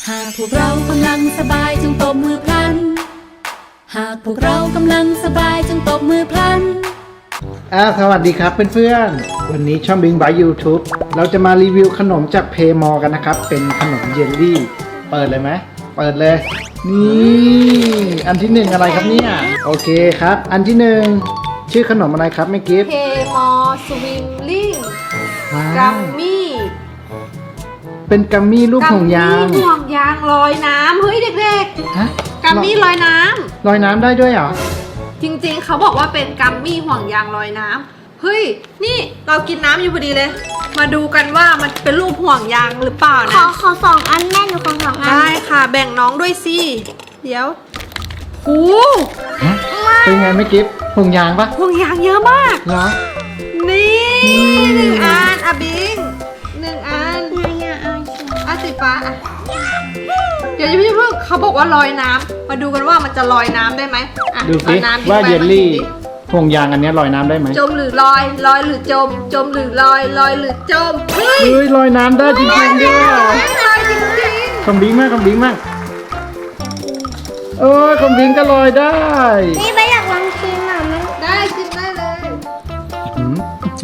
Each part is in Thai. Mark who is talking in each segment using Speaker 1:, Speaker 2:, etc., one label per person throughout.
Speaker 1: หากพวกเรากำลังสบายจงตบมือพลันหากพวกเรากำลังสบายจงตบมือพลัน
Speaker 2: สวัสดีครับเพื่อนๆวันนี้ช่องบิงบาย YouTube เราจะมารีวิวขนมจากเพมอกันนะครับเป็นขนมเยลลี่เปิดเลยไหมเปิดเลยนี่อันที่หนึ่งอะไรครับเนี่ยโอเคครับอันที่หนึ่งชื่อขนมอะไรครับแม่กิฟต์
Speaker 3: เพมอสวิมลิ่ง
Speaker 2: ว้า
Speaker 3: กัม
Speaker 2: ว
Speaker 3: มี่
Speaker 2: เป็นกัมมี่รูปห่วงยาง
Speaker 3: กัมมี่ห่วงยางลอยน้ำเฮ้ยเด็ก
Speaker 2: ฮะ
Speaker 3: ๆกัมมี่ลอยน้ำ
Speaker 2: ลอยน้ำได้ด้วยเหรอ
Speaker 3: จริงๆเขาบอกว่าเป็นกัมมี่ห่วงยางลอยน้ำเฮ้ยนี่เรากินน้ำอยู่พอดีเลย มาดูกันว่ามันเป็นรูปห่วงยางหรือเปล่า
Speaker 4: ขอ
Speaker 3: นะ
Speaker 4: สองอันแม่หนูขอสองอัน
Speaker 3: ได้ค่ะแบ่งน้องด้วยสิเดี๋ยวโอ้
Speaker 2: ฮะเป็นไงแม่กิฟต์ห่วงยางปะ
Speaker 3: ห่วงยางเยอะมาก
Speaker 2: เหรอ
Speaker 3: นี่หนึ่งอันอะบิงหนึ่งอัน
Speaker 4: นายอยากเอาสี
Speaker 3: อ่ะสีฟ้าอ่ะเดี๋ยวพี่เพิ่งเขาบอกว่าลอยน้ำมาดูกันว่ามันจะลอยน้ำได้ไหมอ่ะ
Speaker 2: ดูสิ
Speaker 3: อน้ำ
Speaker 2: ว่า
Speaker 3: ไป
Speaker 2: เยลลี่
Speaker 3: มาดูดิ
Speaker 2: ห่วงยางอันเนี้ยลอยน้ำได้ไหม
Speaker 3: จมหรือลอยลอยหรือจม จมหรือลอยลอยหรือจมเฮ้ย
Speaker 2: เฮ้ยลอยน้ำได้จริงๆด้วย
Speaker 3: ลอยจริง
Speaker 2: คำบิงมากคำบิงมากโอ้ยคำบิงก็ลอยได้
Speaker 4: นี่ไม่อยากลองชิมอ่ะมัน
Speaker 3: ๆได้ชิมได้เลย
Speaker 2: อืม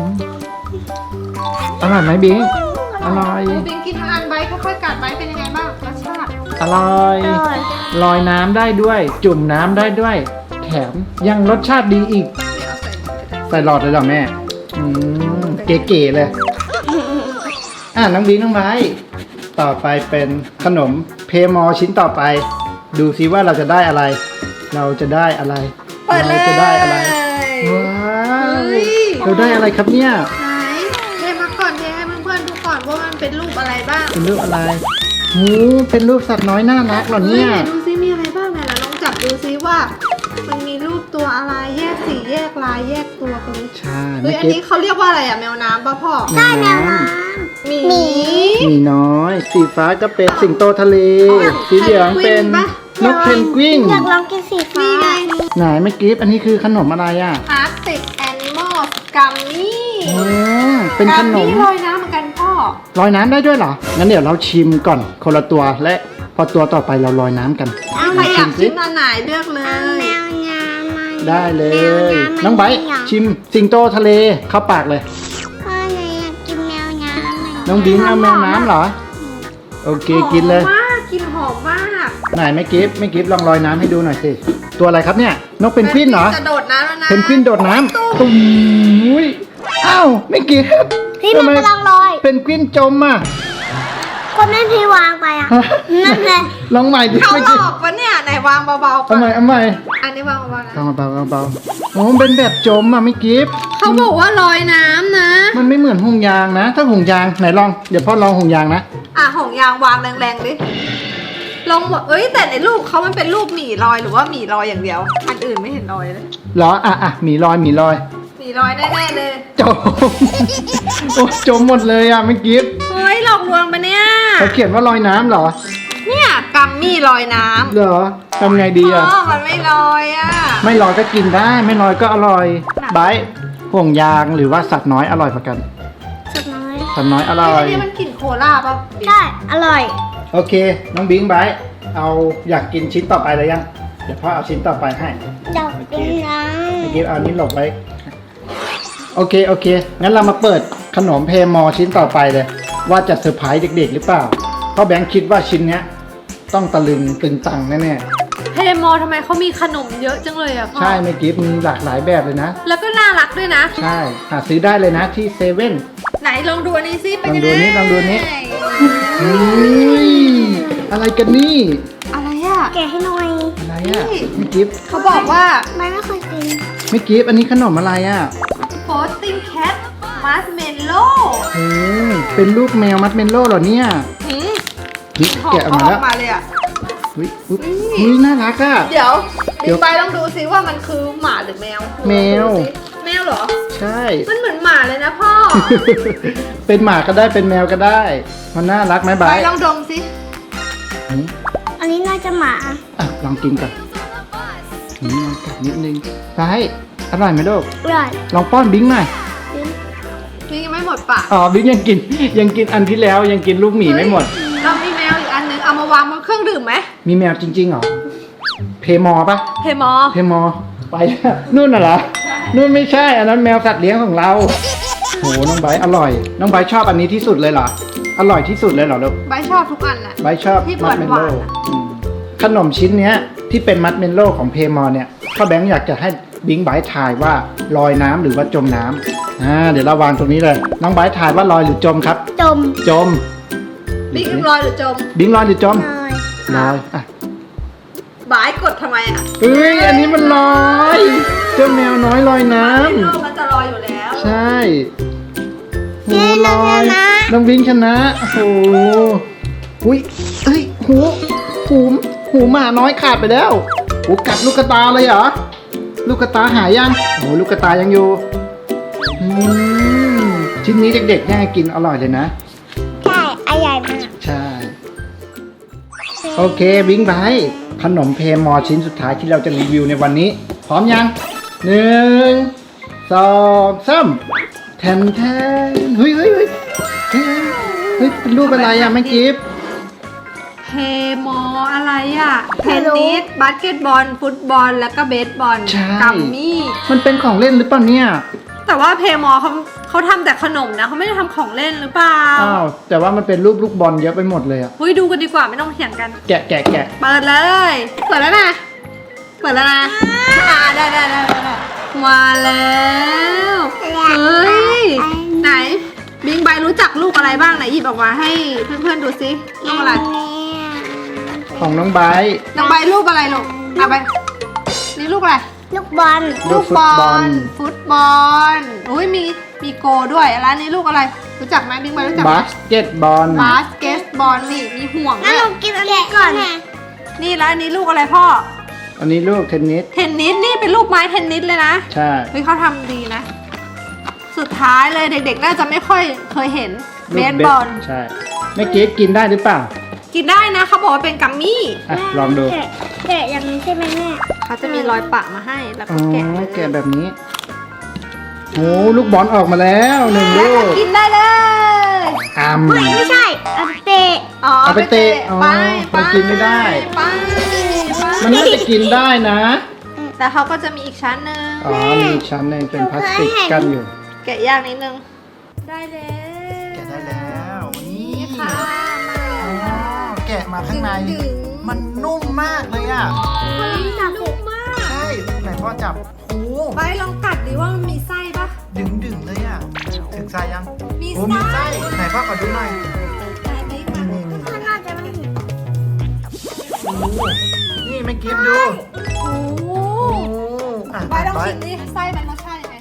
Speaker 2: อร่อยไหมบิงอร่อย
Speaker 3: บิงกินทั้งอันใบค่อยๆกัดใบเป็นยังไงบ้างรสชาติ
Speaker 2: อร่อย
Speaker 4: อร่อย
Speaker 2: ลอยน้ำได้ด้วย จุ่มน้ำได้ด้วย แถมยังรสชาติดีอีก
Speaker 3: ไม่เอาใส่กระดาษ
Speaker 2: ใส่หลอดเลยเหรอแม่อืมเก๋ๆเลยน้องบิงน้องไม้ต่อไปเป็นขนมเพมอชิ้นต่อไป ดูซิว่าเราจะได้อะไร เราจะได้อะไร
Speaker 3: เปิดเลย
Speaker 2: เราจะได้อะไรว้าว
Speaker 3: เฮ้ย
Speaker 2: เราได้อะไรครับเนี่ย
Speaker 3: ไหนเทมาก่อนเทให้เพื่อนๆดูก่อนว่ามันเป็นรูปอะไรบ้าง
Speaker 2: เป็นรูปอะไรหูเป็นรูปสัตว์น้อยน่ารักเหรอ
Speaker 3: เฮ้ย
Speaker 2: เนี่ย
Speaker 3: ไหนดูซิมีอะไรบ้างไหนเราลองจับดูซิว่า มันมีรูปตัวอะไรแยกสีแยกลายแยกตัวกันเลย
Speaker 2: ใช่
Speaker 3: เฮ้ยอันนี้เขาเรียกว่าอะไรอะแมวน้ำป่ะพ่อ
Speaker 2: แมวน้
Speaker 3: หมี
Speaker 2: ำมีน้อย สีฟ้าก็เป็นสิงโตทะเล สีเหลืองเป็นนกเพนกวิน
Speaker 4: อยากลองกินสีฟ้า
Speaker 3: นี่ไง
Speaker 2: ไหนไม่กิฟอันนี้คือขนมอะไรอ่ะ
Speaker 3: อาร์ติกแอนิมอลกัมมี่
Speaker 2: อ๋อเป็นขนม
Speaker 3: ลอยน้ำเหมือนกันพ่อ
Speaker 2: ลอยน้ำได้ด้วยเหรอ งั้นเดี๋ยวเราชิมก่อนคนละตัวและพอตัวต่อไปเราลอยน้ำกัน
Speaker 3: ใครอยากชิมอันไหนเลือกเล
Speaker 4: เอา
Speaker 3: ย
Speaker 4: แมวน้ำมา
Speaker 2: ได้เล
Speaker 4: แมวย น้ำ
Speaker 2: น้องไบร์ท
Speaker 4: มัน
Speaker 2: ชิมสิงโตทะเลเข้าปากเลย
Speaker 4: พ่อหนูอยากกินแมวน้ำ
Speaker 2: น้องบิงเอาแมวน้ำเหรอ โอเคกินเลย
Speaker 3: หอมมากกินหอมมาก
Speaker 2: ไหนไม่กิฟลองลอยน้ำให้ดูหน่อยสิ ตัวอะไรครับเนี่ย นกเพนกวินเหรอ
Speaker 3: จะโดดน้ำแล้วนะ
Speaker 2: เพนกวินโดดน้ำตุ้มอุ้ยอ้าวไม่กิฟ
Speaker 4: พี่มันกำลังลอย
Speaker 2: เพนกวินจมอ่ะ
Speaker 4: คนนั้นพี่วางไปอ่ะนั่นแหละ
Speaker 2: ลองใหม่ดิ
Speaker 3: เขา
Speaker 2: ไม่
Speaker 3: หล
Speaker 2: กิฟ
Speaker 3: อกปะเนี่ยไหนวางเบาๆก่อ
Speaker 2: เอา
Speaker 3: น
Speaker 2: ใหม่เอาใหม่
Speaker 3: อันนี้วางเบาๆนะ
Speaker 2: เบาโอ้มันเป็นแบบจมอ่ะไม่กิฟ
Speaker 3: เขาบอกว่าลอยน้ำนะ
Speaker 2: มันไม่เหมือนห่วงยางนะ ถ้าห่วงยางไหนลองเดี๋ยวพ่อลองห่วงยางนะ
Speaker 3: อ่ะหงยางวางแรงๆดิลองบอกเอ้ยแต่ในรูปเขามันเป็นรูปหมีลอยหรือว่าหมีลอยอย่างเดียว อันอื่นไม่เห็นลอยเลย
Speaker 2: เหรอหมีลอย
Speaker 3: หมีลอยแน่ๆเลย
Speaker 2: จม โอ้จมหมดเลยอ่ะไม่กิฟ
Speaker 3: เฮ้ยหลอกลวงปะเนี่ย
Speaker 2: เขาเขียนว่าลอยน้ำเหรอ
Speaker 3: เนี่ยกัมมี่ลอยน้ำ
Speaker 2: เหรอทำไงดีอ่ะ
Speaker 3: มันไม่ลอยอ่ะ
Speaker 2: ไม่ลอยก็กินได้ ไม่ลอยก็อร่อยไบร์ทห่วงยางหรือว่าสัตว์น้อยอร่อยกว่ากัน
Speaker 4: สุดน้อย
Speaker 2: สัตว์น้อยอร่อย
Speaker 3: นี่มันกลิ่นโคลาป่ะ
Speaker 4: ใช่ อร่อย
Speaker 2: โอเค น้องบิงไบร์ทเอาอยากกินชิ้นต่อไปเลยยัง เดี๋ยวพ่อเอาชิ้นต่อไปให้
Speaker 4: ดอกกินน้
Speaker 2: ไม่กิฟเอานี้หลบไว้ โอเค งั้นเรามาเปิดขนมเพมอชิ้นต่อไปเลย ว่าจะเซอร์ไพรส์เด็กๆหรือเปล่า เพราะแบงค์คิดว่าชิ้นเนี้ยต้องตะลึงตึงตังแน่
Speaker 3: เพโมทำไมเขามีขนมเยอะจังเลยอ่ะพ่
Speaker 2: ๆ
Speaker 3: อ
Speaker 2: ใช่ไม่กิฟมีหลากหลายแบบเลยนะ
Speaker 3: แล้วก็น่ารักด้วยนะ
Speaker 2: ใช่ หาซื้อได้เลยนะที่เซเว่น
Speaker 3: ไหนลองดูอันนี้ซิเป็น
Speaker 2: ลอง
Speaker 3: ยัง
Speaker 2: ดู
Speaker 3: ไง
Speaker 2: นี่ลองดูนี่ อุ้ยอะไรกันนี่
Speaker 3: อะไรอ่ะ
Speaker 4: ำแกะให้หน่อย
Speaker 2: อะไรอ่ะ
Speaker 3: นี่
Speaker 2: ไม่กิฟ
Speaker 3: เขาบอกว่า
Speaker 4: ไม่เคยกิน
Speaker 2: ไม่กิฟอันนี้ขนมอะไรอ่ะ
Speaker 3: โฟสติ้งแคทมัสเมลโล่
Speaker 2: โอ้เป็นรูปแมวมัดเมนโล่เหรอเนี่ยนี่
Speaker 3: หอม
Speaker 2: แกะออก
Speaker 3: เขา
Speaker 2: มา
Speaker 3: อ
Speaker 2: แล้
Speaker 3: อ
Speaker 2: ว
Speaker 3: กมาเลยอ่ะ
Speaker 2: อุ้ยอุ๊ยอุ้ยน่ารักอ่ะ
Speaker 3: เดี๋ยว
Speaker 2: เดี๋ยว
Speaker 3: ไปลองดูซิว่ามันคือหมาหรือแมว
Speaker 2: แมว
Speaker 3: ดูสิแมวเหรอ
Speaker 2: ใช่
Speaker 3: มันเหมือนหมาเลยนะพ่อ
Speaker 2: เป็นหมาก็ได้เป็นแมวก็ได้ มันน่ารักไหม
Speaker 3: ไป
Speaker 2: บาย
Speaker 3: ลองดมสิ
Speaker 4: อันนี้น่าจะหมา
Speaker 2: อ่ะลองกินก่อนลองกัดนิดนึงบายอร่อยไหมลูก
Speaker 4: อร่อย
Speaker 2: ลองป้อนบิงหน่อย
Speaker 3: นี่ยังไม่หมดปาก
Speaker 2: อ๋อบิ๊กยังกินอันที่แล้วยังกินลูกหมีไม่หมด
Speaker 3: เรามีแมวอีกอันนึงเอามาวางบนเครื่องดื่มไหม
Speaker 2: มีแมวจริงๆเหรอ เพมอปะ
Speaker 3: เพมอ
Speaker 2: เพมอ ไปแล้วนู่นน่ะเหรอ นู่นไม่ใช่ อันนั้นแมวสัตว์เลี้ยงของเรา โห น้องไบร์ทอร่อย น้องไบร์ทชอบอันนี้ที่สุดเลยเหรอ อร่อยที่สุดเลยเหรอลูก
Speaker 3: ใบชอบทุกอันแหละ
Speaker 2: ไบร์ทชอบ
Speaker 3: ที่
Speaker 2: มัดเมล
Speaker 3: หวา
Speaker 2: โล่
Speaker 3: นๆอะ
Speaker 2: ขนมชิ้นเนี้ยที่เป็นมัดเมลโล่ของเพมอเนี่ยพ่อแบงค์อยากจะให้บิงไบร์ททายว่าลอยน้ำหรือว่าจมน้ำเดี๋ยวเราวางตรงนี้เลย น้องไบร์ททายว่าลอยหรือจมครับ
Speaker 4: จม
Speaker 2: จม
Speaker 3: บิ๊กลอยหรือจม
Speaker 2: บิงลอยหรือจม
Speaker 4: เลย
Speaker 2: ลอยอ่ะ
Speaker 3: บายกดทำไมอ่ะ
Speaker 2: เอ้ย อันนี้มันลอย เจ้าแมวน้อยลอยน้
Speaker 3: โลกมันจะลอยอยู่แล้ว
Speaker 2: ำ ใช่โห
Speaker 4: เย้
Speaker 2: ล
Speaker 4: เราช
Speaker 2: อย
Speaker 4: นะ
Speaker 2: น้องบิงชนะโอ้โหอุ้ยเอ้ยหูหมาน้อยขาดไปแล้วโอ้กัดลูกกระตาเลยเหรอ ลูกกระตาหายยังโอ้ลูกกระตายังอยู่อืมชิ้นนี้เด็กๆแย่งกินอร่อยเลยนะ
Speaker 4: ใช่อร่อยมาก
Speaker 2: ใช่ โอเคบิงไบท์ขนมเพมอชิ้นสุดท้ายที่เราจะรีวิวในวันนี้ พร้อมยัง1 2 3แทนเฮ้ยเป็นรูปอะไรอ่ะแม่กิฟต์
Speaker 3: เพมออะไรอ่ะเทนนิสบาสเกตบอล ฟุตบอล แล้วก็เบสบอล
Speaker 2: ใช่
Speaker 3: กัมมี่
Speaker 2: มันเป็นของเล่นหรือเปล่าเนี่ย
Speaker 3: แต่ว่าเพมอเขาทำแต่ขนมนะเขาไม่ได้ทำของเล่นหรือเปล่า
Speaker 2: อ้าวแต่ว่ามันเป็นรูปลูกบอลเยอะไปหมดเลยอ่ะ
Speaker 3: เฮ้ยดูกันดีกว่าไม่ต้องเถียงกัน
Speaker 2: แกะ
Speaker 3: เปิดเลย เปิดแล้วนะ เปิดแล้วนะได้มาแล้วเฮ้ยไหนบิงไบรู้จักลูกอะไรบ้างไหนหยิบออกมาให้เพื่อนๆดูซิลูกอะไร
Speaker 2: ของน้องไบท์
Speaker 3: น้องใบรูปอะไรลูกเอาไปนี่ลูกอะไร
Speaker 4: ลูกบอล
Speaker 2: ลูกฟุตบอล
Speaker 3: ฟุตบอลอุ้ยมีโกด้วยแล้วนี่ลูกอะไร รู้จักไหมบิ๊กไบรู้จักไหม
Speaker 2: บาสเกตบอล
Speaker 3: บาสเกตบอลนี่มีห่วง
Speaker 4: งั้น
Speaker 3: ด้ว
Speaker 4: เรา
Speaker 3: ย
Speaker 4: กินอันนี้ก่อน
Speaker 3: นี่แล้วอันนี้ลูกอะไรพ่อ
Speaker 2: อันนี้ลูกเทนนิส
Speaker 3: เทนนิสนี่เป็นลูกไม้เทนนิสเลยนะ
Speaker 2: ใช่
Speaker 3: เฮ้ยเขาทำดีนะ สุดท้ายเลยเด็กๆน่าจะไม่ค่อยเคยเห็นเบ
Speaker 2: ลูก
Speaker 3: สบอล
Speaker 2: ใช่แม่กิฟต์กินได้หรือเปล่า
Speaker 3: กินได้นะเขาบอกว่าเป็นกัมมี่
Speaker 2: อ่ะลองดู
Speaker 4: แกะอย่างนี้ใช่ไหมแม่
Speaker 3: เขาจะมีรอยปะมาให้แล้ว
Speaker 2: อ๋
Speaker 3: ก็
Speaker 2: อ
Speaker 3: แกะเลย
Speaker 2: แกะแบบนี้โอ้ลูกบอลออกมาแล้ว1
Speaker 3: แล้ว
Speaker 2: ลู
Speaker 3: ก็
Speaker 2: ก
Speaker 3: กินได้เลย
Speaker 4: เฮ้ยไม่ใช่เอาไปเตะ
Speaker 3: อ๋อ
Speaker 2: เอาไปเตะอ๋อ
Speaker 3: ไป
Speaker 2: มันกินไม่ได้
Speaker 3: ไป
Speaker 2: มันน่าจะกินได้นะ
Speaker 3: แต่เขาก็จะมีอีกชั้นหนึ่ง
Speaker 2: อ๋อมีอีกชั้นหนึงเป็นพลาสติกกั้นอยู่
Speaker 3: แกะยากนิดนึง ได้แล้ว
Speaker 2: แกะได้แล้วนี่
Speaker 3: นี่ค่ะ
Speaker 2: อ๋อแกะมาข้างใน
Speaker 3: ดึง
Speaker 2: มันนุ่มมากเลยอ่ะ
Speaker 3: เฮ้ยนุ่มมาก
Speaker 2: ใช่ไหนพ่อจับโอ้
Speaker 3: ไปลองกัดดิว่ามันมีไส้ปะ
Speaker 2: ดึงเลยอ่ะถึงไส้ยัง
Speaker 3: มี
Speaker 2: โอ้มีไส้ไหนพ่อขอดูหน่อย
Speaker 3: ไหนดิกัดดิ
Speaker 4: มันน่าจะไม่เห็น
Speaker 2: โอ้นี่ไม่กิฟดู
Speaker 3: โอ้โห
Speaker 2: โอ้อ่ะ
Speaker 3: ไปลอง
Speaker 2: ไป
Speaker 3: ชิมดิไส้มันรสชาติยังไง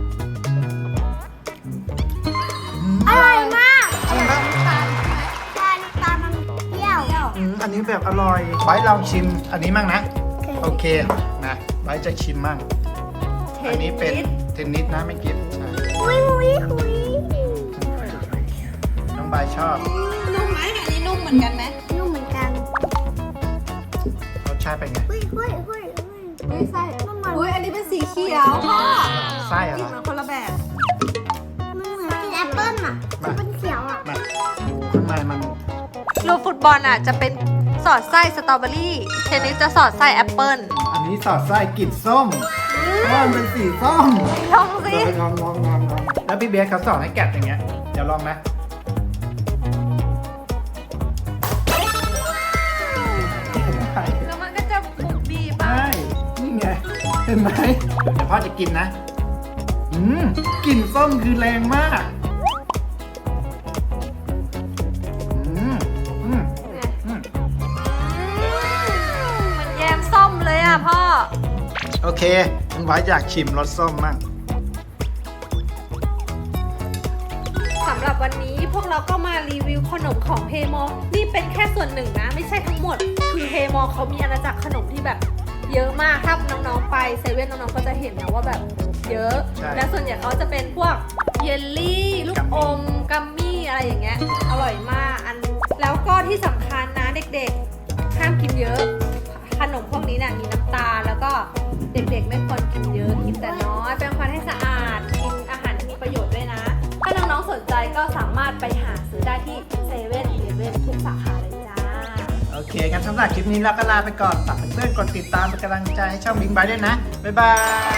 Speaker 4: อร่อยมาก
Speaker 2: จริงครับ
Speaker 3: น้ำตาล
Speaker 4: ตาตามันเปรี้ยว
Speaker 3: เปรี้ยว
Speaker 2: อันนี้แบบอร่อยไบร์ทลองชิมอันนี้มั่งนะ โอเคนะไบร์ทจะชิมมั่ง อันนี้เป็นเทนนิสนะไม่กิฟใช่
Speaker 4: คุย
Speaker 2: น้องไบร์ทชอบ
Speaker 3: นุ่มไหมอันนี้นุ่มเหมือนกันไหม
Speaker 4: นุ่มเหมือนกัน
Speaker 2: รสชาติเป็นไง
Speaker 4: เฮ้ย
Speaker 3: เฮ้ยไส้อุ้ยอันนี้เป็นสีเขียวพ่อ
Speaker 2: ไส้อะไร
Speaker 3: กินมันคนละแบบ
Speaker 4: มันเหมือนกินแอปเปิ้ลอ่ะมันเป็นเขียวอ่ะ
Speaker 2: มาข้างในมัน
Speaker 3: ลูกฟุตบอลอ่ะจะเป็นสอดไส้สตรอเบอรี่เทนนิสจะสอดไส้แอปเปิ้ล
Speaker 2: อันนี้สอดไส้กลิ่นส้มเพราะมันเป็นสีส้ม
Speaker 3: ลองสิ
Speaker 2: เดี๋ยวไปลองแล้วพี่เบสเขาสอนให้แกะอย่างเงี้ยเดี๋ยวลองนะ
Speaker 3: แล้วมันก็จะบุบบีบ
Speaker 2: ใช่นี่ไงเห็นไหมเดี๋ยวพ่อจะกินนะกลิ่นส้มคือแรงมาก
Speaker 3: เห
Speaker 2: อืม
Speaker 3: มือนแยมส้มเลยอ่ะพ่อ
Speaker 2: โอเคคุณไว้อยากชิมรสส้มมั่ง
Speaker 3: สำหรับวันนี้พวกเราก็มารีวิวขนมของเพมอนี่เป็นแค่ส่วนหนึ่งนะ ไม่ใช่ทั้งหมด คือเพมอเขามีอาณาจักรขนมที่แบบ เยอะมากถ้าน้องๆไปเซเว่นน้องๆก็จะเห็นนะว่าแบบเยอะ และส่วนใหญ่เขาจะเป็นพวกเยลลี่ลูกอมกัมมี่อะไรอย่างเงี้ยอร่อยมากแล้วก็ที่สำคัญนะเด็กๆห้ามกินเยอะ ขนมพวกนี้เนี่ยมีน้ำตาลแล้วก็เด็กๆไม่ควรกินเยอะกินแต่น้อยแปรงฟันให้สะอาดกินอาหารที่มีประโยชน์ด้วยนะ ถ้าน้องๆสนใจก็สามารถไปหาซื้อได้ที่เซเว่นอีเลฟเว่นทุกสาขาเลยจ้า
Speaker 2: โองั้นสำหรับคลิปนี้เราก็ลาไปก่อนฝากเพื่อนๆกดติดตามเป็นกำลังใจให้ช่องบิงบายด้วยนะบ๊ายบาย